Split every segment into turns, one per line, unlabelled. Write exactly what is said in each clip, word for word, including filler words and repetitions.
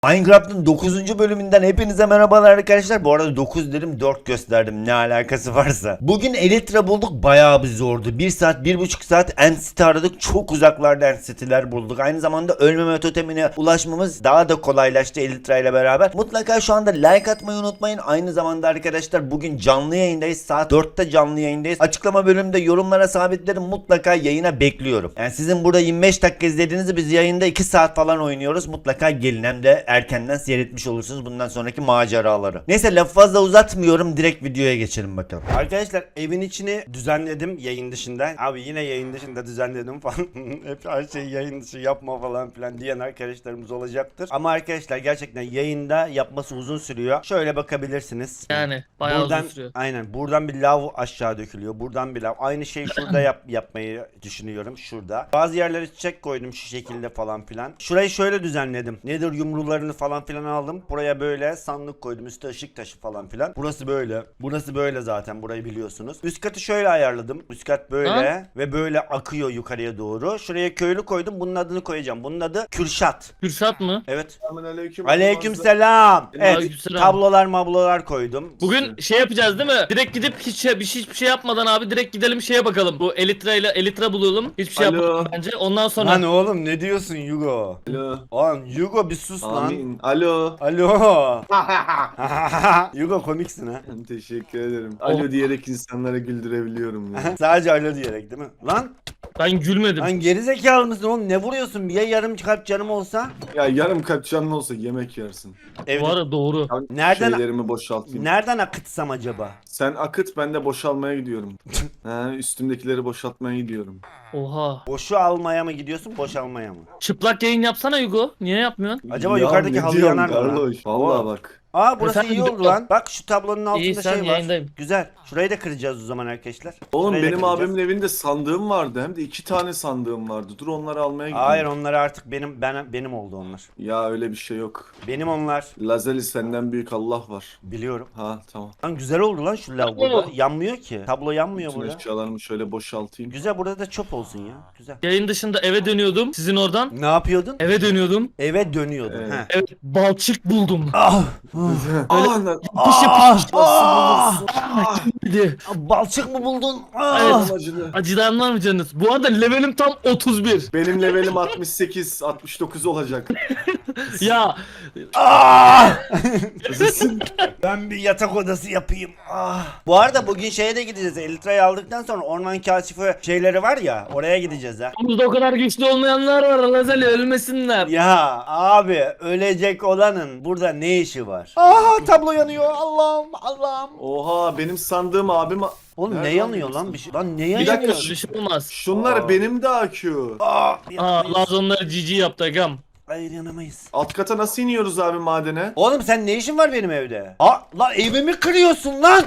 Minecraft'ın dokuzuncu bölümünden hepinize merhabalar arkadaşlar. Bu arada dokuz dedim dört gösterdim, ne alakası varsa. Bugün Elytra bulduk, bayağı bir zordu. bir saat bir buçuk saat End City aradık. Çok uzaklarda End City'ler bulduk. Aynı zamanda ölmeme totemine ulaşmamız daha da kolaylaştı Elytra ile beraber. Mutlaka şu anda like atmayı unutmayın. Aynı zamanda arkadaşlar bugün canlı yayındayız. Saat dörtte canlı yayındayız. Açıklama bölümünde yorumlara sabitlerim, mutlaka yayına bekliyorum. Yani sizin burada yirmi beş dakika izlediğinizi biz yayında iki saat falan oynuyoruz. Mutlaka gelin, hem de erkenden seyretmiş olursunuz bundan sonraki maceraları. Neyse lafı fazla uzatmıyorum, direkt videoya geçelim bakalım.
Arkadaşlar evin içini düzenledim yayın dışında. Abi yine yayın dışında düzenledim falan. Hep her şeyi yayın dışı yapma falan filan diyen arkadaşlarımız olacaktır. Ama arkadaşlar gerçekten yayında yapması uzun sürüyor. Şöyle bakabilirsiniz.
Yani bayağı
buradan,
uzun sürüyor.
Aynen buradan bir lav aşağı dökülüyor. Buradan bir lav. Aynı şeyi şurada yap, yapmayı düşünüyorum. Şurada. Bazı yerlere çiçek koydum şu şekilde falan filan. Şurayı şöyle düzenledim. Nedir yumrularını falan filan aldım. Buraya böyle sandık koydum. Üstü ışık taşı falan filan. Burası böyle. Burası böyle zaten. Burayı biliyorsunuz. Üst katı şöyle ayarladım. Üst kat böyle
Ha?
ve böyle akıyor yukarıya doğru. Şuraya köylü koydum. Bunun adını koyacağım. Bunun adı Kürşat.
Kürşat mı?
Evet.
Aleyküm.
Aleykümselam. Evet.
Aleykümselam.
Tablolar mablolar koydum.
Bugün şey yapacağız değil mi? Direkt gidip hiç şey, bir şey, hiçbir şey yapmadan abi direkt gidelim şeye bakalım. Bu Elytra ile Elytra bulalım. Hiçbir şey
Alo.
yapmadan bence. Ondan sonra
Lan oğlum ne diyorsun Yugo?
Alo.
Lan Yugo bir sus lan.
Amin. Alo.
Alo. Yugo komiksin ha.
Teşekkür ederim. Alo diyerek insanlara güldürebiliyorum ya.
Sadece alo diyerek değil mi? Lan,
ben gülmedim.
lan gerizekalı mısın oğlum? Ne vuruyorsun? Ya yarım kalp canım olsa?
Ya yarım kalp canın olsa yemek yersin.
Evde.
Bu arada doğru.
Ben
Nereden-
şeylerimi boşaltayım.
Nereden akıtsam acaba?
Sen akıt, ben de boşalmaya gidiyorum. He, üstümdekileri boşaltmaya gidiyorum.
Oha.
Boşu almaya mı gidiyorsun, boş almaya mı?
Çıplak yayın yapsana Hugo. Niye yapmıyorsun?
Acaba
Ya
yukarıdaki
ne
halı
diyorsun
yanar mı lan?
Carlos? Vallahi
Oo.
bak.
Aa burası
Efendim,
iyi oldu
Yugo.
lan. Bak şu tablonun altında
İyi, sen
şey var.
yayındayım.
Güzel. Şurayı da kıracağız o zaman arkadaşlar.
Oğlum
Şurayı da
benim
kıracağız.
abimin evinde sandığım vardı. Hem de iki tane sandığım vardı. Dur onları almaya gidiyorum.
Hayır, onlar artık benim ben benim oldu onlar.
Ya öyle bir şey yok.
Benim onlar.
Lazeli senden büyük Allah var.
Biliyorum.
Ha tamam.
Lan güzel oldu lan şu lav burada. Yanmıyor ki. Tablo yanmıyor
Bütün
burada.
eşyalarımı şöyle boşaltayım.
Güzel, burada da çöp olsun ya. Güzel.
Yayın dışında eve dönüyordum. Sizin oradan.
Ne yapıyordun?
Eve dönüyordum.
Eve dönüyordun.
Evet.
Heh.
Evet, balçık buldum.
Ah!
Aa, lan.
Ah!
Ah!
Hadi.
Balçık mı buldun?
Evet.
Ah!
Acıdı.
Acıdan var mı canınız? Bu arada levelim tam otuz bir.
Benim levelim altmış sekiz, altmış dokuz olacak.
Ya
Ah! Ben bir yatak odası yapayım. Ah. Bu arada bugün şeye de gideceğiz. Elytra'yı aldıktan sonra orman kaşifi şeyleri var ya, oraya gideceğiz ha.
burada o kadar güçlü olmayanlar var. Lazeli ölmesinler.
Ya abi, ölecek olanın burada ne işi var? Aha, tablo yanıyor. Allah'ım Allah'ım.
Oha, benim sandığım abim...
Oğlum
Nerede
ne yanıyor
lan
lan bir şey? Lan ne
Bir
yanıyor?
dakika,
Bir şey olmaz.
Şunlar
Aa.
benim de A Q.
Aa,
Aa, Laz onları cici yaptı agam.
hayır, yanamayız.
Alt kata nasıl iniyoruz abi madene?
Oğlum sen ne işin var benim evde? Aa, lan evimi kırıyorsun lan.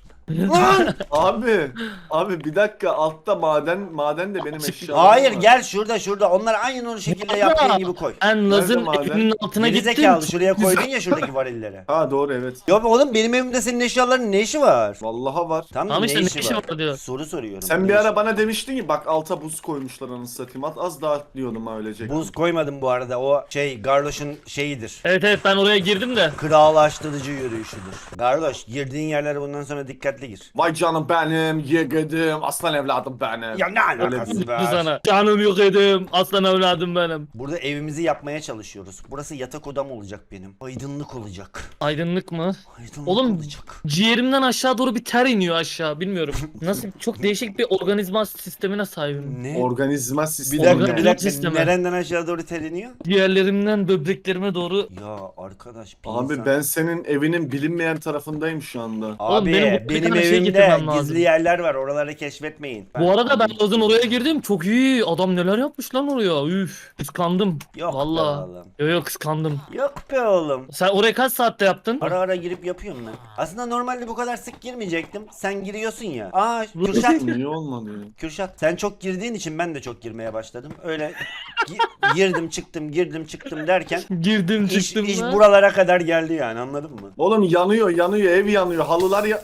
Lan.
Abi, abi bir dakika, altta maden, maden de benim eşyalarım
Hayır,
var.
gel şurada şurada. Onları aynen o şekilde yaptığın gibi koy.
Ben Laz'ın
Nerede maden?
evinin altına
Geri
gittim.
zekalı, şuraya koydun ya şuradaki varilleri.
Ha doğru, evet.
Yok oğlum, benim evimde senin eşyaların ne işi var?
Vallaha var.
Tamam,
Tamam
ne,
işte, ne
işi
işi
var?
var diyor.
Soru soruyorum.
Sen
Ne
bir
işi
ara
var?
bana demiştin ki bak alta buz koymuşlar anasını satayım. At, az daha atlıyordum ha ölecek.
Buz koymadım bu arada, o şey Garloş'un şeyidir.
Evet evet, ben oraya girdim de.
Krallaştırıcı yürüyüşüdür. Garloş, girdiğin yerlere bundan sonra dikkatli gir.
Vay canım benim, yeğedim, aslan evladım benim.
Ya ne
Öyle
alakası
değil.
Bu
var?
sana. Canım yok edim. Aslan evladım benim.
Burada evimizi yapmaya çalışıyoruz. Burası yatak odam olacak benim. Aydınlık olacak.
Aydınlık mı?
Aydınlık
Oğlum,
olacak.
ciğerimden aşağı doğru bir ter iniyor aşağı. Bilmiyorum. Nasıl, çok değişik bir organizma sistemine sahibim.
Ne?
Organizma
Bir
sistemi.
dakika, bir
Organik
dakika.
sistemi.
Nereden aşağı doğru teriniyor?
Ciğerlerimden böbreklerime doğru.
Ya arkadaş, bir
Abi
insan-
ben senin evinin bilinmeyen tarafındayım şu anda.
Abi
Oğlum, benim
benim,
bu bir tane şey
evimde
getirmem lazım.
gizli yerler var. Oraları keşfetmeyin.
Bu arada ben Laz'ın oraya girdim. Çok iyi. Adam neler yapmış lan oraya. Üf. Kıskandım.
Yok be
Vallahi.
oğlum.
Yok yok, kıskandım.
Yok be oğlum.
Sen oraya kaç saatte yaptın?
Ara ara girip yapıyorum ben. Aslında normalde bu kadar sık girmeyecektim. Sen giriyorsun ya. Aa Kürşat.
Niye olmadı ya?
Kürşat. Sen çok girdiğin için ben de çok girmeye başladım. Öyle gi- girdim çıktım girdim çıktım derken
Girdim
iş,
çıktım.
iş
lan.
buralara kadar geldi yani, anladın mı?
Oğlum yanıyor yanıyor, ev yanıyor, halılar ya ev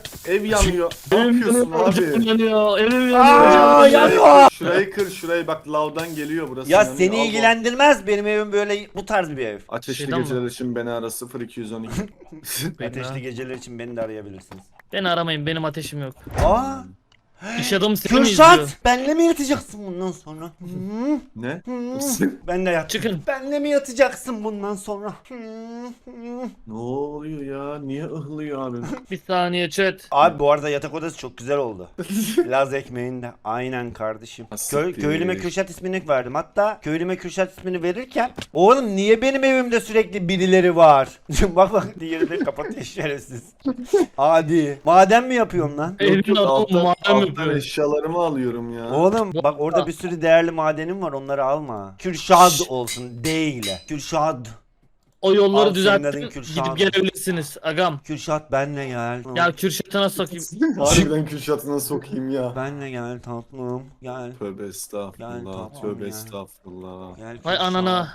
yanıyor. Ne
Evim
yapıyorsun
yanıyor,
abi?
evim yanıyor, evim
Aa,
yanıyor.
yanıyor.
Şurayı kır şurayı bak lavdan geliyor burası.
Ya
yanıyor.
seni
Al,
ilgilendirmez. Benim evim böyle bu tarz bir ev.
Ateşli
Şeyden mi?
geceler için beni ara sıfır iki yüz on iki.
Beni,
Ateşli geceler için beni de arayabilirsiniz.
beni aramayın, benim ateşim yok.
Aa,
İş adamı seni mi izliyor?
Kürşat, benle mi yatacaksın bundan sonra? Hı?
Ne?
Benle yat.
Çıkın.
Benle mi yatacaksın bundan sonra? Hı, hı.
Ne oluyor ya? Niye ıhlıyor abi?
Bir saniye chat.
Abi bu arada yatak odası çok güzel oldu. Laz ekmeğinde. Aynen kardeşim. Köy,
Siktir.
köylüme Kürşat ismini verdim. Hatta köylüme Kürşat ismini verirken oğlum niye benim evimde sürekli birileri var? bak bak diğeri de kapatıyor şerefsiz. Hadi. Maden mi yapıyorsun lan?
Evin
Yok, yok,
adamı
alttan,
madem
alttan
yapıyor.
eşyalarımı alıyorum ya.
Oğlum bak orada bir sürü değerli madenim var, onları alma. Kürşad olsun değil. Kürşad.
O yolları
Al,
düzelttin,
senin adın Kürşat.
gidip gelebilirsiniz agam.
Kürşat benle gel.
Ya Kürşat'a nasıl sokayım?
Harbiden Kürşat'ına sokayım ya.
Benle gel tatlım. Gel.
Tövbe
Yani
estağfurullah.
tamam
Tövbe
ya.
estağfurullah.
Gel
Vay
Kürşat.
anana.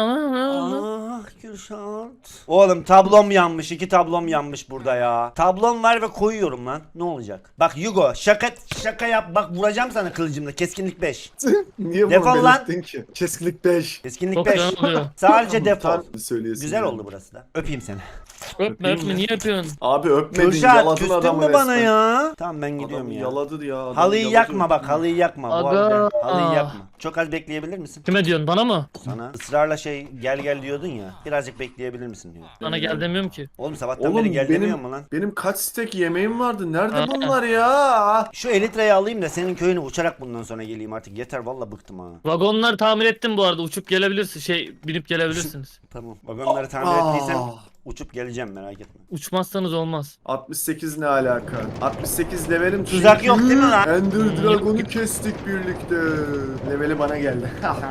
Anana.
Ah Kürşat. Oğlum tablom yanmış. iki tablom yanmış burada ya. Tablom var ve koyuyorum lan. Ne olacak? Bak Yugo şaka şaka yap. Bak vuracağım sana kılıcımla. Keskinlik beş.
Niye
Defol
bunu
lan.
belirttin ki? Keskinlik beş.
Keskinlik
Çok
beş.
fena oluyor.
Sadece defol.
Söyleyesin
Güzel
yani.
oldu burası da. Öpeyim seni.
Öpme öpme, niye yapıyorsun?
Abi öpmedin,
Kürşat
yaladın
küstün
adamı
mü bana
resmen.
ya? Tamam ben gidiyorum
Adamı
ya.
yaladı ya. adamı
Halıyı
yaladı.
yakma bak, halıyı yakma. Bu
Aga.
arada halıyı yakma. Çok az bekleyebilir misin?
Kime diyorsun, bana mı?
Sana ısrarla şey gel gel diyordun ya. Birazcık bekleyebilir misin diyor.
Bana gel demiyorum ki.
Oğlum sabahtan
Oğlum
beri gel demiyor
benim,
mu lan?
benim kaç stek yemeğim vardı. Nerede
Ha.
bunlar ya?
Şu Elitra'yı alayım da senin köyüne uçarak bundan sonra geleyim artık. Yeter valla bıktım ha.
Vagonlar tamir ettim bu arada, uçup gelebilirsin, şey binip gelebilirsiniz.
Tamam. Vagonları tamir
Aa.
ettiysen uçup geleceğim, merak etme.
Uçmazsanız olmaz.
altmış sekiz ne alaka? altmış sekiz levelim çünkü.
Tuzak yok değil mi lan?
Ender Dragon'u kestik birlikte. Leveli bana geldi.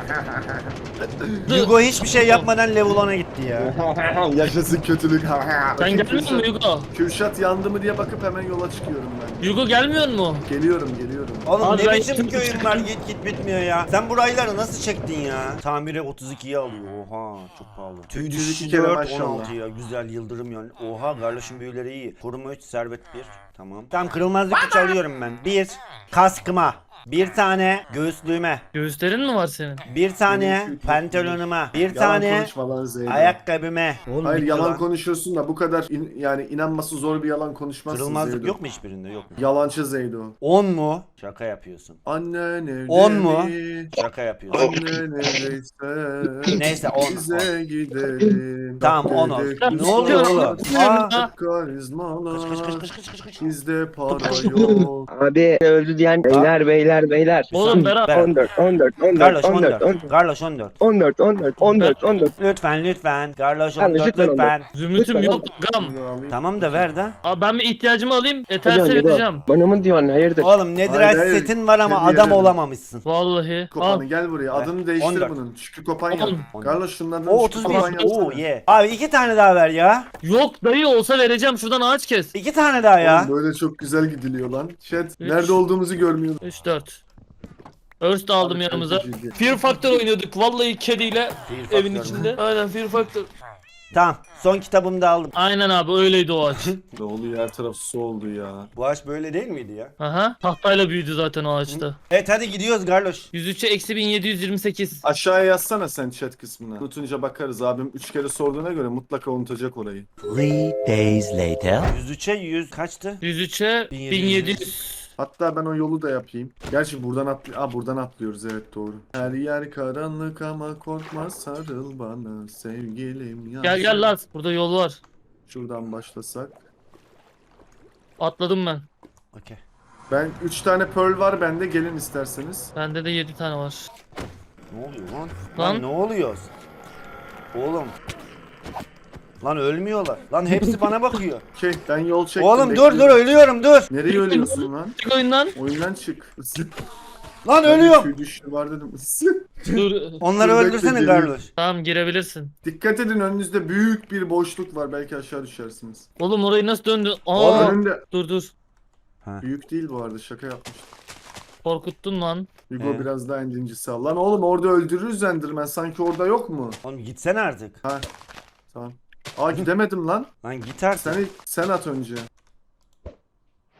Hugo hiçbir şey yapmadan level ona gitti ya.
Yaşasın kötülük.
Sen gelmiyor musun Yugo?
Kürşat yandı mı diye bakıp hemen yola çıkıyorum ben.
Yugo gelmiyor mu?
Geliyorum geliyorum.
Oğlum
Abi
ne
ben
biçim
gittim,
köyün
gittim.
var, git git bitmiyor ya. Sen burayları nasıl çektin ya? Tamire otuz ikiye alıyor. Oha çok pahalı. Tüy
otuz iki
düşüşü
kere
dört,
maşallah.
on altı ya. Güzel yıldırım yani. Oha Garloş'un büyüleri iyi. Koruma üç, servet bir. Tamam. Tamam kırılmazlık üç alıyorum ben. bir kaskıma. Bir tane göğüslüğüme.
Göğüslerin mi var senin?
Bir tane
Benim şu-
pantolonuma. Bir
Yalan
tane
konuşma lan Zeynep.
ayakkabıme. Oğlum
Hayır
bitti
yalan
lan.
konuşuyorsun da bu kadar in- yani inanması zor bir yalan konuşmazsın
Kırılmazlık
Zeydo.
yok mu hiçbirinde? Yok mu?
Yalancı Zeydo.
on mu? Şaka yapıyorsun.
Annen evde
On mu?
mi?
Şaka yapıyorsun.
Annen evdeyse
Neyse, on,
bize gidelim.
Tamam,
Bak
on olsun.
dedik
Ne
biz
oluyor
var.
oğlum? Aa.
Ha?
Karizmalar.
Kış kış kış kış kış kış kış.
Bizde para yok.
Abi öldü diyen beyler beyler beyler.
Oğlum Berat.
Berat.
on dört on dört on
Garloş
dört on dört
on dört. Garloş on dört.
on dört on dört on dört on dört.
Lütfen lütfen. Garloş on
Kardeş,
dört
lütfen on dört.
lütfen.
Zümrütüm
Lütfen
yok gam.
Bunu alayım.
Tamam da ver de.
Abi ben bir ihtiyacımı alayım,
Hadi
yeterse
hadi
vereceğim.
bak. Bana mı diyorsun hayırdır?
Oğlum nedir
Hayır, hayır.
setin var ama
Hediye
adam
verin.
olamamışsın.
Vallahi. Al.
Kopanı gel buraya. Adını değiştir
on dört.
bunun. Şükrü Kopan yap.
On.
Carlos şundan
O otuz
Şükrü Kopan
bir.
yapsana.
Oo ye. Abi iki tane daha ver ya.
Yok dayı, olsa vereceğim, şuradan ağaç kes.
İki tane daha ya.
Oğlum böyle çok güzel gidiliyor lan. Chat
Üç.
nerede olduğumuzu görmüyorum.
üç dört. Örs de aldım
Abi,
yanımıza.
çok ciddi.
Fear Factor oynuyorduk vallahi kediyle
Fear
evin
Factor mu?
içinde. Aynen Fear Factor.
Tamam. Son kitabımı da aldım.
Aynen abi, öyleydi o ağaç.
Ne oluyor, her taraf su oldu ya.
Bu ağaç böyle değil miydi ya?
Aha. Tahtayla büyüdü zaten o ağaçta.
Evet hadi gidiyoruz Garloş.
yüz üçe eksi bin yedi yüz yirmi sekiz.
Aşağıya yazsana sen chat kısmına. Unutunca bakarız, abim üç kere sorduğuna göre mutlaka unutacak orayı.
Three days later.
yüz üçe yüz kaçtı?
yüz üçe
bin
bin
yedi
yedi
yüz.
yüz.
Hatta ben o yolu da yapayım. Gerçi buradan atlı Aa, buradan atlıyoruz, evet doğru. Her yer karanlık ama korkma, sarıl bana sevgilim ya.
Gel gel Laz, burada yol var.
Şuradan başlasak.
Atladım ben.
Okey.
Ben üç tane pearl var bende, gelin isterseniz.
Bende de yedi tane var.
Ne oluyor lan?
Lan.
Lan ne oluyor? Oğlum. Lan ölmüyorlar. Lan hepsi bana bakıyor.
Şey ben yol çektim.
Oğlum dur
bekliyorum.
dur ölüyorum dur.
Nereye ölüyorsun lan?
Çık oyundan.
Oyundan çık.
Lan
Ben
ölüyorum.
tüy düştü var dedim.
Dur.
Onları
Dur, bekle,
öldürsene
geliyorum.
Garloş.
Tamam, girebilirsin.
Dikkat edin, önünüzde büyük bir boşluk var, belki aşağı düşersiniz.
Oğlum orayı nasıl döndü? Aa,
Oğlum.
Önünde
dur dur.
büyük değil bu arada, şaka yapmış.
Korkuttun lan.
Hugo
He.
biraz daha incisi al. Lan oğlum orada öldürürüz Enderman, sanki orada yok mu?
Oğlum gitsene artık.
Ha tamam. Aa gidemedim lan.
Lan git artık.
Sen, sen at önce.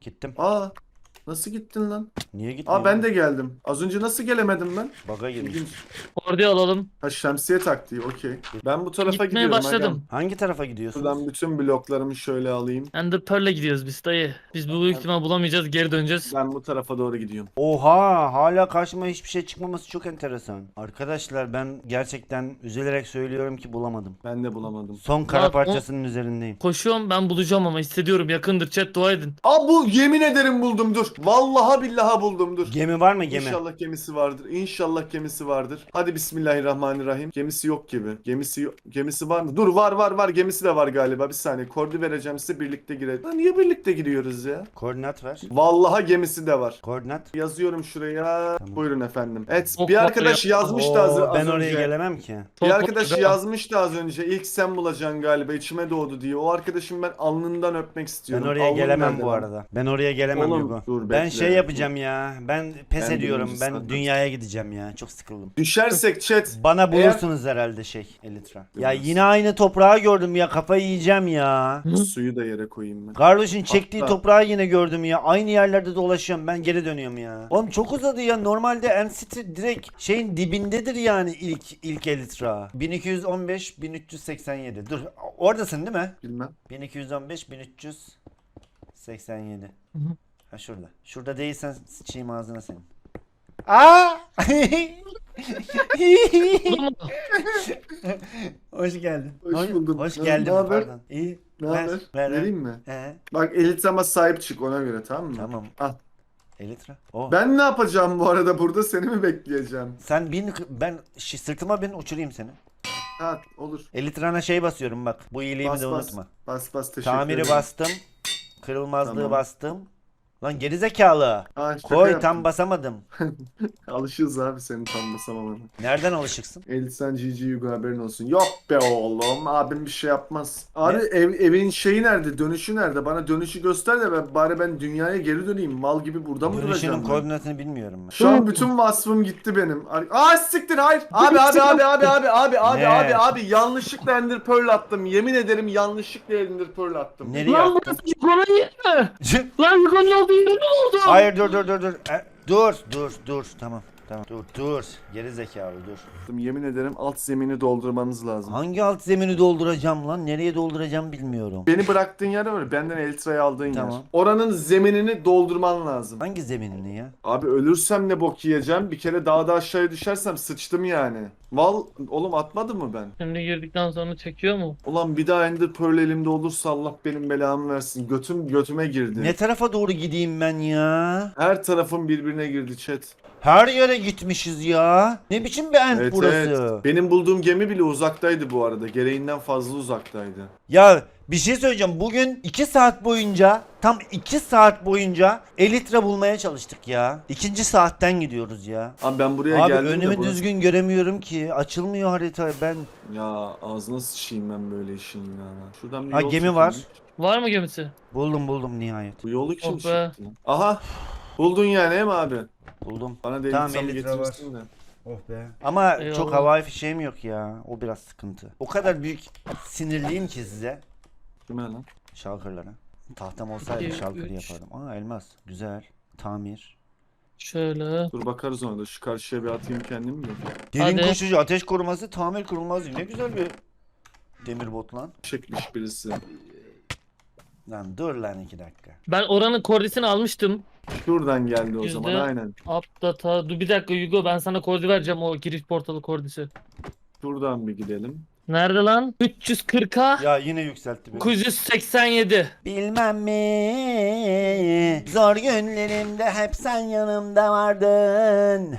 Gittim.
Aa nasıl gittin lan?
Niye gitmiyor?
Aa ben de geldim. Az önce nasıl gelemedim ben?
Baga girmiş.
İlginç.
Kordi alalım.
Ha şemsiye taktiği okey. Ben bu tarafa
Gitmeye
gidiyorum.
başladım.
Agam.
Hangi tarafa gidiyorsunuz?
Buradan bütün bloklarımı şöyle alayım.
Ender Pearl'e gidiyoruz biz dayı. Biz bu büyük ihtimal bulamayacağız, geri döneceğiz.
Ben bu tarafa doğru gidiyorum.
Oha, hala karşıma hiçbir şey çıkmaması çok enteresan. Arkadaşlar ben gerçekten üzülerek söylüyorum ki bulamadım.
Ben de bulamadım.
Son kara
Lan o-
parçasının üzerindeyim.
Koşuyorum, ben bulacağım ama hissediyorum, yakındır, chat dua edin.
Aa bu yemin ederim buldum dur. Vallahi billahi buldum dur.
Gemi var mı gemi?
İnşallah gemisi vardır. İnşallah gemisi vardır. Hadi bismillahirrahmanirrahim. Gemisi yok gibi. Gemisi yok. Gemisi var mı? Dur var var var. Gemisi de var galiba. Bir saniye. Kordi vereceğim size birlikte girelim. Lan niye birlikte giriyoruz ya?
Koordinat ver.
Vallahi gemisi de var.
Koordinat.
Yazıyorum şuraya.
Tamam.
Buyurun efendim. Evet
Oh,
bir arkadaş
oh,
yazmıştı az,
Oo,
az
ben
önce.
oraya gelemem ki.
Bir
Çok
arkadaş
güzel.
yazmıştı az önce. İlk sen bulacaksın galiba. İçime doğdu diye. O arkadaşım ben alnından öpmek
Ben
istiyorum.
oraya
Alnım
gelemem
nerede
bu
lan?
arada. Ben oraya gelemem
Oğlum,
Hugo.
dur,
Ben
bekle.
şey yapacağım ya. Ben pes
Ben
ediyorum.
birinci
Ben
sandım.
dünyaya gideceğim ya. Çok sıkıldım.
Düşersek chat.
Bana bulursunuz herhalde şey Elytra. Ya
Bilmez.
yine aynı toprağı gördüm ya. Kafayı yiyeceğim ya.
Suyu da yere koyayım ben.
Carlos'un çektiği
Hatta-
toprağı yine gördüm ya. Aynı yerlerde dolaşıyorum. Ben geri dönüyorum ya. Oğlum çok uzadı ya. Normalde N-City direkt şeyin dibindedir yani ilk ilk Elytra. bin iki yüz on beş bin üç yüz seksen yedi. Dur oradasın değil mi?
Bilmem.
bin iki yüz on beş bin üç yüz seksen yedi.
Hı hı.
Ha şurada. Şurada değilsen sıçayım ağzına senin. Aa!
Buldun mu?
Hoş geldin.
Hoş buldum.
Hoş
Ne-
geldin.
ne haber?
Pardon. İyi.
Ne
Ver,
haber?
ver, ver.
Vereyim mi?
He,
Bak Elitra'ma sahip çık ona göre tamam mı?
tamam.
Al.
Elytra. Oh.
Ben ne yapacağım bu arada burada seni mi bekleyeceğim?
Sen bin ben şi- sırtıma bin uçurayım seni.
Ha olur.
Elytra'na şey basıyorum bak. Bu iyiliğimi
Bas,
de
bas.
unutma.
Bas bas teşekkür
Tamiri
ederim.
bastım. Kırılmazlığı
Tamam.
bastım. Lan gerizekalı.
Ha, şaka
Koy
yaptım.
tam basamadım.
Alışığız abi senin tam basamamana.
Nereden alışıksın?
Elitsen G G Yugo haberin olsun. Yok be oğlum abim bir şey yapmaz. Abi ev, evin şeyi nerede? Dönüşü nerede? Bana dönüşü göster de ben, bari ben dünyaya geri döneyim. Mal gibi burada mı
Dönüşünün
duracağım ben?
koordinatını bilmiyorum ben.
Şu an bütün vasfım gitti benim. Aa siktir hayır. Abi abi abi abi abi abi abi
Ne?
abi abi yanlışlıkla Ender Pearl attım. Yemin ederim yanlışlıkla Ender Pearl attım.
Nereye
Lan
attın?
burası Yugo'nun yeri mi? Lan Yugo'nun olduğu yeri mi oldu?
Hayır dur dur dur dur. E, dur dur dur tamam. Tamam. Dur dur. Geri zekalı dur.
Yemin ederim alt zemini doldurmanız lazım.
Hangi alt zemini dolduracağım lan? Nereye dolduracağım bilmiyorum.
Beni bıraktığın yer var ya, benden Eltra'yı aldığın
Tamam.
yer. Oranın zeminini doldurman lazım.
Hangi zeminini ya?
Abi ölürsem ne bok yiyeceğim? Bir kere daha da aşağıya düşersem sıçtım yani. Val oğlum atmadım mı ben?
Şimdi girdikten sonra çekiyor mu?
Ulan bir daha Ender Pearl elimde olursa Allah benim belamı versin. Götüm götüme girdi.
Ne tarafa doğru gideyim ben ya?
Her tarafım birbirine girdi chat.
Her yere gitmişiz ya. Ne biçim bir end
Evet,
burası?
evet. Benim bulduğum gemi bile uzaktaydı bu arada. Gereğinden fazla uzaktaydı.
Ya bir şey söyleyeceğim. Bugün iki saat boyunca tam iki saat boyunca Elytra bulmaya çalıştık ya. İkinci saatten gidiyoruz ya.
Abi ben buraya
Abi
geldim de
önümü
burası-
düzgün göremiyorum ki. Açılmıyor harita. Ben
Ya ağzına sıçayım ben böyle işin ya. Şuradan bir
Ha,
yol
gemi
çekeyim.
var.
Var mı gemisi?
buldum buldum nihayet.
Bu yolu kim
Oh be.
çekti? Aha. Buldun yani değil mi abi?
Buldum.
Bana da
Tamam,
tamam,
Elytra
getirirsin de.
Oh be. Ama
Eyvallah.
çok havai fişeğim yok ya. O biraz sıkıntı. O kadar büyük sinirliyim ki size.
Kime lan?
Şalkırlara. Tahtam olsaydı
İki,
şalkır
üç.
yapardım. Aa elmas. Güzel. Tamir.
Şöyle.
Dur bakarız ona da. Şu karşıya bir atayım kendimi de.
Derin
Hadi.
koşucu, ateş koruması, tamir kurulmazı. Ne güzel bir demir bot lan.
Çekmiş birisi.
Lan dur lan iki dakika.
Ben oranın kordisini almıştım.
Şuradan geldi o
Yüzde-
zaman aynen.
Updata. Dur bir dakika Yugo, ben sana kordi vereceğim, o giriş portalı kordisi.
Şuradan bir gidelim.
Nerede lan? üç yüz kırka
Ya yine yükseltti beni.
dokuz yüz seksen yedi.
Bilmem mi? Zor günlerimde hep sen yanımda vardın.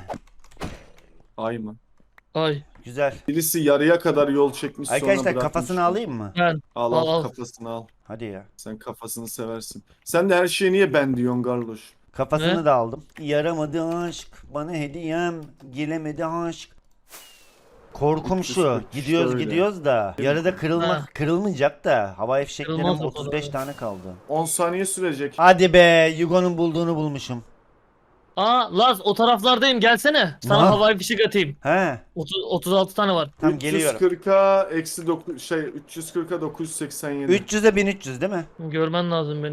Ay mı?
Ay.
Güzel.
Birisi yarıya kadar yol çekmiş sonra
Arkadaşlar
bırakmış.
kafasını alayım mı?
Ben.
Al
Al,
al,
al.
kafasını al.
Hadi ya.
Sen kafasını seversin. Sen de her şeye niye ben diyorsun Garloş?
Kafasını
Ne?
da aldım. Yaramadı aşk, bana hediyem, gelemedi aşk. Korkum şu.
Şöyle.
Gidiyoruz gidiyoruz da yarıda kırılma
Ha.
kırılmayacak da havai fişeklerim
Kırılmaz o
otuz beş
kadar.
tane kaldı.
on saniye sürecek.
Hadi be, Yugo'nun bulduğunu bulmuşum.
Aa Laz, o taraflardayım, gelsene. Sana
Ne?
havai fişek atayım.
He,
otuz, otuz altı tane var.
tam geliyorum.
üç yüz kırka eksi dokuz şey üç yüz kırka dokuz yüz seksen yedi.
üç yüze bin üç yüz değil mi?
Görmen lazım beni.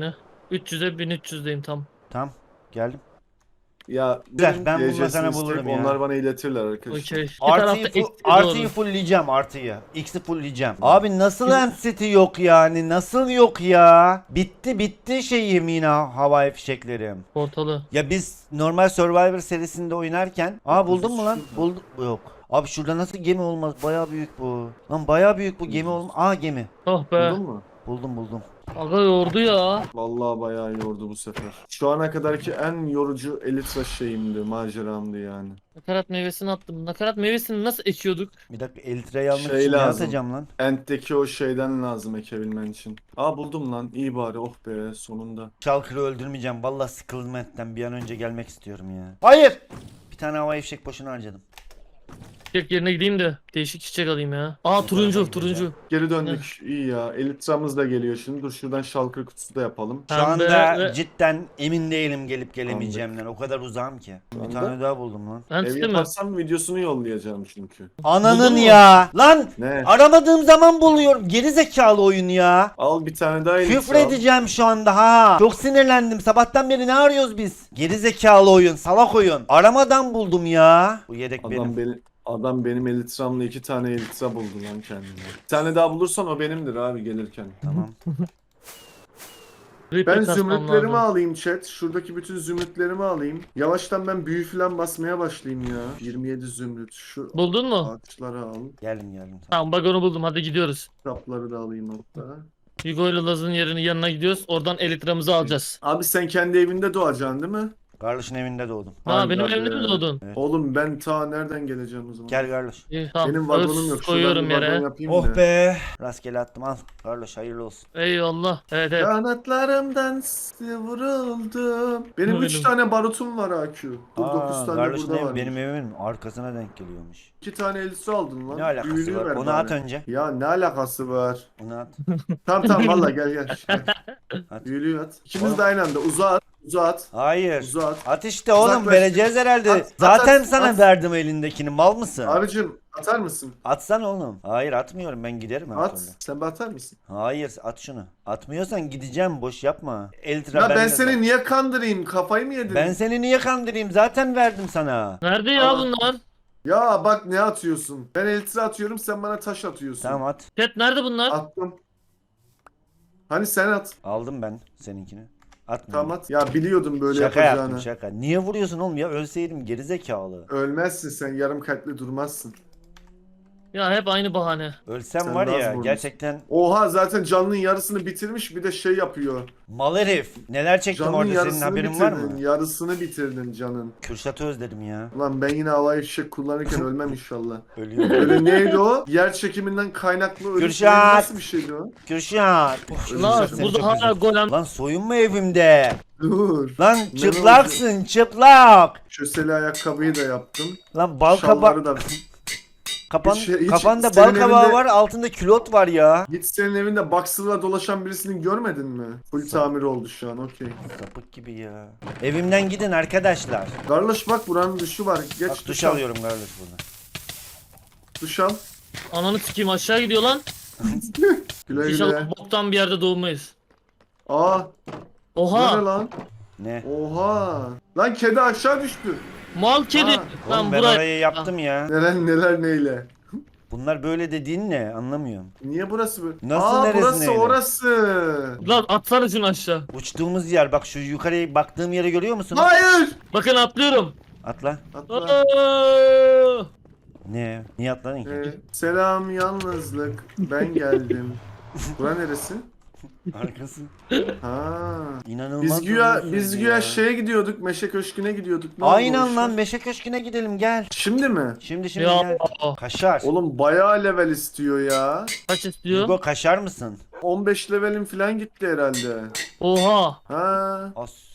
üç yüze bin üç yüzdeyim tam.
Tamam geldim.
Ya
Güzel,
benim
ben bundan
D C'sini
sana
isteyip
bulurum ya.
Onlar bana iletirler arkadaşlar.
Okey. Bir
Artıyı,
tarafta
fu-
eksiğe
artıyı
doğru.
fullleyeceğim artıyı. X'i fullleyeceğim. Abi nasıl enseti yok yani? Nasıl yok ya? Bitti bitti şeyim yine havai fişeklerim.
Portalı.
Ya biz normal Survivor serisinde oynarken. Aa buldun mu lan?
Şurada.
Buldum. Yok. Abi şurada nasıl gemi olmaz? Baya büyük bu. Lan baya büyük bu gemi olmaz. Aa gemi.
Oh be.
Buldun mu?
Buldum buldum.
Aga yordu ya.
Vallahi bayağı yordu bu sefer. Şu ana kadarki en yorucu Elytra şeyimdi, maceramdı yani.
Nakarat meyvesini attım. Nakarat meyvesini nasıl ekiyorduk?
Bir dakika Elitre'yi almak
Şey
için ne
lazım.
atacağım lan?
End'deki o şeyden lazım ekebilmen için. Aa buldum lan. İyi bari. Oh be sonunda.
Shulker'ı öldürmeyeceğim. Vallahi sıkıldım etten. Bir an önce gelmek istiyorum ya. Hayır. Bir tane havai fişek boşuna harcadım.
Çiçek yerine gideyim de değişik çiçek alayım ya. Aa turuncu turuncu.
Geri döndük. İyi ya. Elytra'mız da geliyor şimdi. Dur şuradan şalkır kutusu da yapalım.
Şu
Pembe
anda
ve-
cidden emin değilim gelip gelemeyeceğimden. O kadar uzağım ki. Bir
Anladım.
tane daha buldum lan.
Ben
Ev
tutayım mı?
yaparsam videosunu yollayacağım çünkü.
Ananın
Buldun mu?
ya. Lan
Ne?
aramadığım zaman buluyorum. Geri zekalı oyun ya.
Al bir tane daha Elytra.
Küfür edeceğim şu anda ha. Çok sinirlendim. Sabahtan beri ne arıyoruz biz? Geri zekalı oyun, salak oyun. Aramadan buldum ya. Bu yedek benim.
Adam benim. Adam benim Elytra'mla iki tane Elytra buldu lan kendine. Bir tane daha bulursan o benimdir abi gelirken.
Tamam.
Reaper
Ben
kasmam
zümrütlerimi
lazım.
alayım chat. Şuradaki bütün zümrütlerimi alayım. Yavaştan ben büyü falan basmaya başlayayım ya. yirmi yedi zümrüt. Şu
Buldun mu?
ağaçları al.
Geldim geldim.
Tamam bak onu buldum hadi gidiyoruz.
Kitapları da alayım hatta.
Hugo ile Laz'ın yerinin yanına gidiyoruz. Oradan elitramızı alacağız.
Abi sen kendi evinde doğacaksın değil mi?
Kardeşin evinde doğdum.
Ha
Hadi
benim
abi.
evimde mi doğdun?
Evet.
Oğlum ben ta nereden geleceğim o zaman?
Gel kardeş.
İyi tamam.
Benim vagonum
Öz
yok. Şuradan
koyuyorum
bir vagon
yere.
yapayım
Oh
da.
be. Rastgele attım al. Kardeş hayırlı olsun.
Eyvallah. Evet evet.
Kanatlarımdan vuruldum. Benim üç
Benim.
tane barutum var A Q. Dur dokuz
Aa,
tane
kardeşin
burada
evi
var.
benim evimin arkasına denk geliyormuş.
İki tane elisi aldın lan.
Ne alakası
Büyülüğü
var?
ver
Onu
bari.
at önce.
Ya ne alakası var?
Onu at.
Tamam tamam valla gel gel.
At.
Büyülüğü at. İkimiz
Oğlum.
de aynı anda. Uzağa at. Uzağa at.
Hayır.
Uzağa at.
At işte oğlum
Uzaklaş.
vereceğiz herhalde.
At, at,
Zaten
at,
sana
at.
verdim elindekini mal mısın?
Abicim atar mısın?
Atsan oğlum. Hayır atmıyorum ben giderim her
At.
türlü.
Sen bir atar mısın?
Hayır at şunu. Atmıyorsan gideceğim boş yapma. Eltra
Ya ben
bende
seni
zaten.
niye kandırayım? Kafayı mı yedin?
Ben seni niye kandırayım? Zaten verdim sana.
Nerede ya
Aa.
bunlar?
Ya bak ne atıyorsun? Ben elitra atıyorum sen bana taş atıyorsun.
Tamam at.
Chat nerede bunlar?
Attım. Hani sen at.
Aldım ben seninkini. Atma.
Tamam at. Ya biliyordum böyle
Şaka
yapacağını.
yaptım şaka. Niye vuruyorsun oğlum ya? Ölseydim gerizekalı.
Ölmezsin sen yarım kalpli durmazsın.
Ya hep aynı bahane.
Ölsem
Sen
var
daha
ya
vurmuşsun.
gerçekten
Oha zaten canlının yarısını bitirmiş bir de şey yapıyor.
mal herif. Neler çektim
Canın
orada senin
yarısını
haberin var
bitirdin.
mı?
Yarısını bitirdin canın.
Kürşat'ı özledim ya.
Ulan ben yine havai fişek kullanırken ölmem inşallah.
Ölüyorum.
Öyle neydi o? Yer çekiminden kaynaklı ölüm.
Kürşat!
Nasıl bir şeydi o?
Kürşat.
Lan
Kürşat seni
burada
çok
hala
özledim.
golem.
Lan soyunma evimde.
Dur.
Lan
Ne
çıplaksın çıplak.
Köseli ayakkabıyı da yaptım.
Lan bal
Şalvarı
kaba
da.
Kapan
Hiç- hiç
kafanda bal
senin
kabağı
evinde-
var, altında külot var ya.
Hiç senin evinde boxer'la dolaşan birisini görmedin mi? Full tamir oldu şu an okey.
Sapık gibi ya. Evimden gidin arkadaşlar.
Kardeş bak buranın duşu var. Geç
Bak
duş,
duş
al.
alıyorum kardeş burada.
Duş al.
Ananı sikeyim aşağı gidiyor lan.
Güle güle.
İnşallah boktan bir yerde doğmayız.
Aa. Bu ne
Oha.
lan?
Ne?
Oha. Lan kedi aşağı düştü.
Mal kedi.
Ha.
Oğlum
Lan
ben
buraya.
orayı yaptım ya.
Neler neler neyle.
Bunlar böyle dediğin ne? Anlamıyorum.
Niye burası böyle?
Nasıl
Aa
neresi
burası
neyle?
orası.
Lan atsana şunu aşağı.
Uçtuğumuz yer bak şu yukarıya baktığım yere görüyor musun?
Hayır.
Bakın atlıyorum.
Atla.
Atla.
Aa!
Ne? Niye atladın ki?
Ee, selam yalnızlık. Ben geldim. Bura neresi?
Arkası.
Ha.
İnanılmaz.
Biz
uzun
güya
sürdü
biz
ya.
güya şeye gidiyorduk. Meşe Köşkü'ne gidiyorduk. Ne oldu o
Aynen
işler?
lan Meşe Köşkü'ne gidelim gel.
Şimdi mi?
Şimdi şimdi
Ya
gel. Kaşar.
Oğlum bayağı level istiyor ya.
kaç istiyor?
Hugo kaşar mısın?
on beş levelim falan gitti herhalde.
Oha.
Ha.
Assi.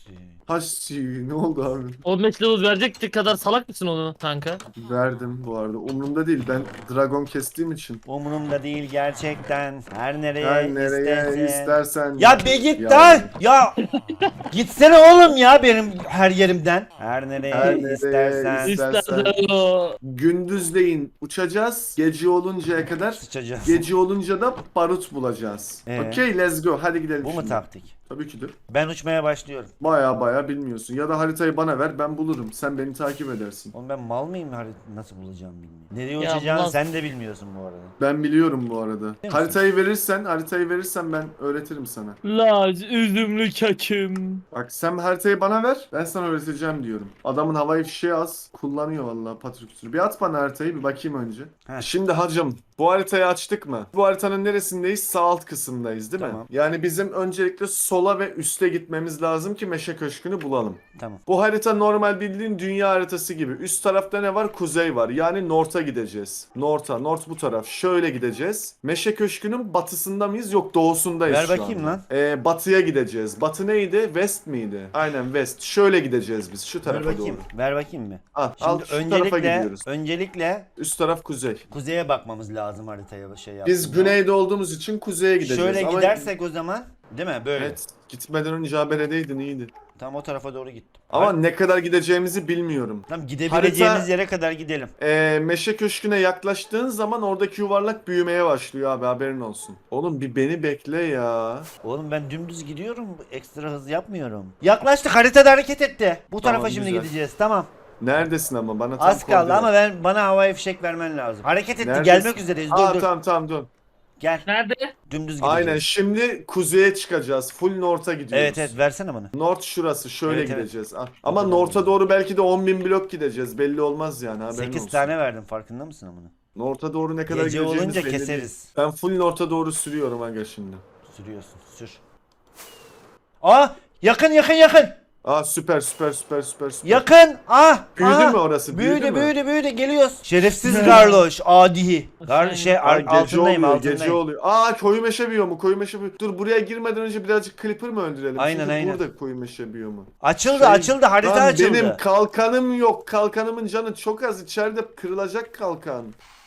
Ha si- ne oldu abi?
on beş level verecek kadar salak mısın onu kanka?
Verdim bu arada. Umurumda değil. Ben dragon kestiğim için.
Umurumda değil gerçekten. Her nereye,
Her nereye
istersen.
istersen.
Ya be git
Ya.
lan. Ya gitsene oğlum ya benim her yerimden. Her nereye
Her nereye
istersen.
istersen.
İstersen o.
Gündüzleyin uçacağız. Gece oluncaya kadar.
Sıçacağız.
Gece olunca da barut bulacağız.
Ee?
Okey, let's go. Hadi gidelim
Bu mu
şimdi.
taktik?
Tabii ki de.
Ben uçmaya başlıyorum.
Baya baya bilmiyorsun. Ya da haritayı bana ver, ben bulurum. Sen beni takip edersin.
Oğlum ben mal mıyım harit- nasıl bulacağım bilmiyorum. Nereye
Ya
uçacağını
ulan-
sen de bilmiyorsun bu arada.
Ben biliyorum bu arada.
misin?
Haritayı verirsen, haritayı verirsen ben öğretirim sana.
Laz üzümlü kekim.
Bak sen haritayı bana ver, ben sana öğreteceğim diyorum. Adamın havai fişeği az, kullanıyor vallahi patrikütürü. Bir at bana haritayı, bir bakayım önce.
Heh.
Şimdi hacım, bu haritayı açtık mı? Bu haritanın neresindeyiz? Sağ alt kısımdayız değil mi?
Tamam.
Yani bizim öncelikle sola ve üste gitmemiz lazım ki Meşe Köşkü'nü bulalım.
Tamam.
Bu harita normal bildiğin dünya haritası gibi. Üst tarafta ne var? Kuzey var. Yani North'a gideceğiz. North'a. North bu taraf. Şöyle gideceğiz. Meşe Köşkü'nün batısında mıyız? Yok, doğusundayız
Ver
şu
bakayım
anda.
lan.
Ee, batıya gideceğiz. Batı neydi? West miydi? Aynen West. Şöyle gideceğiz biz. Şu
Ver
tarafa
bakayım.
doğru.
Ver bakayım bir.
Al, al
Şimdi
şu tarafa
öncelikle
gidiyoruz.
öncelikle
Üst taraf kuzey.
kuzeye bakmamız lazım haritaya şey
Biz
yaptığında.
güneyde olduğumuz için kuzeye gideceğiz.
Şöyle
Ama-
gidersek o zaman değil mi? Böyle.
Evet. Gitmeden önce haberedeydin, iyiydi.
Tam o tarafa doğru gittim.
Ama
Har-
ne kadar gideceğimizi bilmiyorum.
Tamam gidebileceğimiz
Harita-
yere kadar gidelim.
Ee, Meşe Köşkü'ne yaklaştığın zaman oradaki yuvarlak büyümeye başlıyor abi, haberin olsun. Oğlum bir beni bekle ya.
Oğlum ben dümdüz gidiyorum. Ekstra hız yapmıyorum. Yaklaştık, haritada hareket etti. Bu tarafa
Tamam,
şimdi
güzel.
gideceğiz. Tamam.
Neredesin ama bana tam
Az kaldı
koordinat.
ama ben bana havai fişek vermen lazım. Hareket etti.
Neredesin?
Gelmek üzereyiz. Dur
Aa
dur.
tamam tamam dur.
Gel.
Nerede?
Dümdüz gideceğiz.
Aynen, şimdi kuzeye çıkacağız. Full North'a gidiyoruz.
Evet evet versene bana.
North şurası, şöyle
Evet, evet.
gideceğiz. Ah. Ama
Tamam.
North'a doğru belki de on bin blok gideceğiz. Belli olmaz yani, haberin
sekiz
olsun.
tane verdim, farkında mısın amına?
North'a doğru ne kadar
Gece
gideceğimiz
olunca
belli değil.
keseriz.
Ben full North'a doğru sürüyorum aga şimdi.
Sürüyorsun. Sür. Aa! Yakın yakın yakın.
Aa süper süper süper süper süper.
Yakın. Ah!
Büyüdü
ah.
mü orası? Büyüdü,
Büyüdü
mü?
büyüdü büyüdü geliyoruz. Şerefsiz Garloş, adi. Gar şey
Aa,
ar-
gece
altındayım
oluyor,
altındayım.
gece oluyor. Aa koyu meşe biyomu, koyu meşe biyomu. Dur, buraya girmeden önce birazcık Clipper mı öldürelim?
Aynen,
Çünkü
aynen.
burada koyu meşe biyomu.
Açıldı
Şey-
açıldı, harita
Lan
açıldı.
benim kalkanım yok. Kalkanımın canı çok az. İçeride kırılacak kalkan.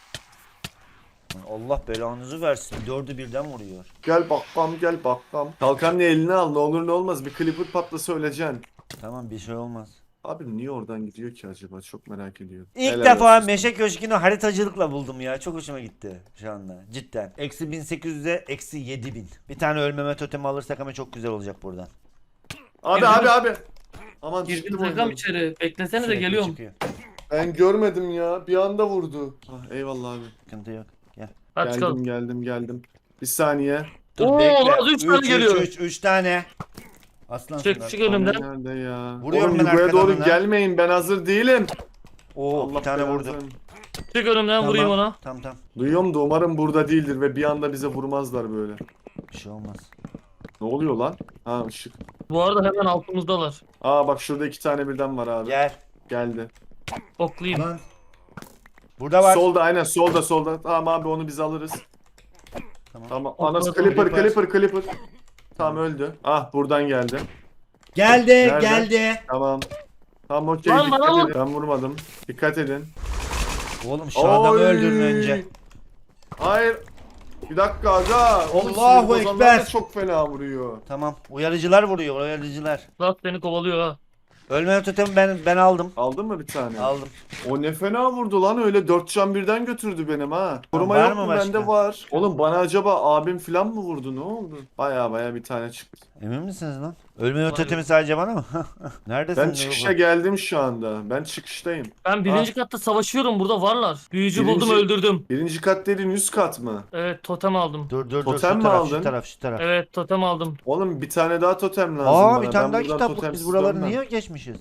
Allah belanızı versin. Dördü birden vuruyor.
Gel bakkam gel bakkam. Kalkanını eline al, ne olur ne olmaz. Bir Clipper patlasa öleceksin.
Tamam bir şey olmaz.
Abi niye oradan gidiyor ki acaba? Çok merak ediyorum.
İlk
Helal
defa
olsun.
Meşe Köşkü'nü haritacılıkla buldum ya. Çok hoşuma gitti şu anda. Cidden. Eksi bin sekiz yüze eksi yedi bin. Bir tane ölmeme totemi alırsak ama çok güzel olacak buradan.
Abi abi abi. Aman
Girdim
çıktım
takam
oyundan.
içeri. Beklesene de
Sürekli
geliyorum.
çıkıyor.
Ben görmedim ya. Bir anda vurdu. Ah, eyvallah abi.
Sıkıntı yok. Gel.
Hadi
Geldim
çıkalım.
geldim geldim. Bir saniye.
Dur
Oo,
bekle.
az üç tane geliyor.
üç, üç tane. Aslan
Çık
şunlar.
çık önümden.
Nerede ya?
Vuruyorum
Oğlum
ben
Yugo'ya
arkadan
doğru
ona.
gelmeyin, ben hazır değilim.
Oo
Allah
bir tane
belanı
vurdu.
versin.
Çık önümden vurayım ona.
Tamam tamam.
Duyuyorum da umarım burada değildir ve bir anda bize vurmazlar böyle.
Bir şey olmaz.
Ne oluyor lan? Ha ışık.
Bu arada hemen altımızdalar.
Aa bak şurada iki tane birden var abi.
Gel.
Geldi.
Oklayayım.
Lan. Burada var.
Solda aynen, solda solda. Tamam abi, onu biz alırız.
Tamam.
Tamam.
Okladım,
Anas Clipper
Clipper.
Clipper Clipper. Tamam öldü. Ah buradan geldi.
Geldi
Nerede?
geldi.
Tamam. Tamam okey,
Lan
dikkat
bana
edin.
vur.
Ben vurmadım. Dikkat edin.
Oğlum şu adamı
Oy!
öldürün önce.
Hayır. Bir dakika aga. Oğlum
Allahu
sizin ozanlar
Ekber.
da çok fena vuruyor.
Tamam. Uyarıcılar vuruyor, uyarıcılar.
Lat seni kovalıyor ha.
Ölme totemi ben ben aldım.
Aldın mı bir tane?
Aldım.
O ne fena vurdu lan, öyle dört can birden götürdü benim ha. Koruma
var
yok
mı
mu?
başka?
Bende var. Oğlum bana acaba abim falan mı vurdu, ne oldu? Baya baya bir tane çıktı.
Emin misiniz lan? Ölme
Var
totemi sadece bana mı? Neredesin?
Ben
Nurgul?
çıkışa geldim şu anda. Ben çıkıştayım.
Ben birinci katta savaşıyorum, burada varlar. Büyücü
Birinci-
buldum, öldürdüm.
Birinci kat dediğin üst kat mı?
Evet, totem aldım.
Dur dur dur.
Totem
Şu
mi
taraf,
aldın?
şu taraf, şu taraf.
Evet, totem aldım.
Oğlum bir tane daha totem lazım
Aa
bana.
bir tane
Ben
daha
buradan
kitap. Biz
totemsiz
buraları
dönmem.
niye geçmişiz?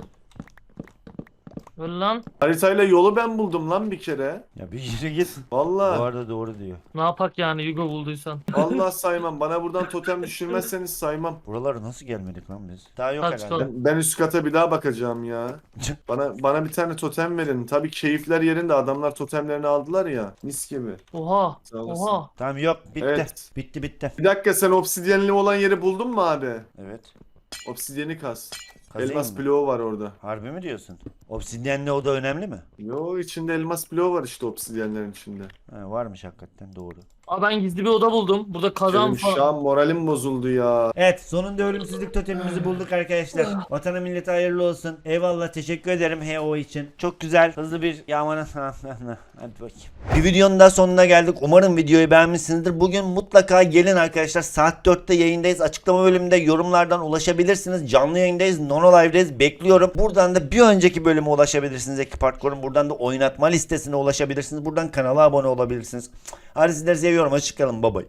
Öyle lan.
Haritayla yolu ben buldum lan bir kere.
Ya bir yere git. Bu
Vallahi.
arada doğru diyor.
Ne yapak yani, Yugo bulduysan.
Vallahi saymam. Bana buradan totem düşürmezseniz saymam.
Buralara nasıl gelmedik lan biz? Daha yok
Hadi
herhalde.
çıkalım.
Ben, ben üst kata bir daha bakacağım ya. Bana bana bir tane totem verin. Tabii keyifler yerinde, adamlar totemlerini aldılar ya. Mis gibi.
Oha.
Sağ olasın.
Oha.
Tamam yok bitti.
Evet.
Bitti bitti.
Bir dakika, sen obsidyenli olan yeri buldun mu abi?
Evet.
Obsidyeni kas.
Kazayım
Elmas
mı?
bloğu var orada.
Harbi mi diyorsun? Obsidyenli oda önemli mi?
Yo, içinde elmas bloğu var işte obsidyenlerin içinde.
Ha, varmış hakikaten, doğru.
Aa ben gizli bir oda buldum. Burada kazan
Benim şu
falan.
an moralim bozuldu ya.
Evet, sonunda ölümsüzlük totemimizi bulduk arkadaşlar. Vatana millete hayırlı olsun. Eyvallah, teşekkür ederim H O için. Çok güzel, hızlı bir yağmana. Hadi bakayım. Bir videonun daha sonuna geldik. Umarım videoyu beğenmişsinizdir. Bugün mutlaka gelin arkadaşlar. Saat dörtte yayındayız. Açıklama bölümünde yorumlardan ulaşabilirsiniz. Canlı yayındayız. Nono Live'deyiz. Bekliyorum. Buradan da bir önceki bölüme ulaşabilirsiniz. Ekip Hardcore'un. Buradan da oynatma listesine ulaşabilirsiniz. Buradan kanala abone olabilirsiniz. Hadi sizleri seviyorum. Hoşçakalın. Bye bye.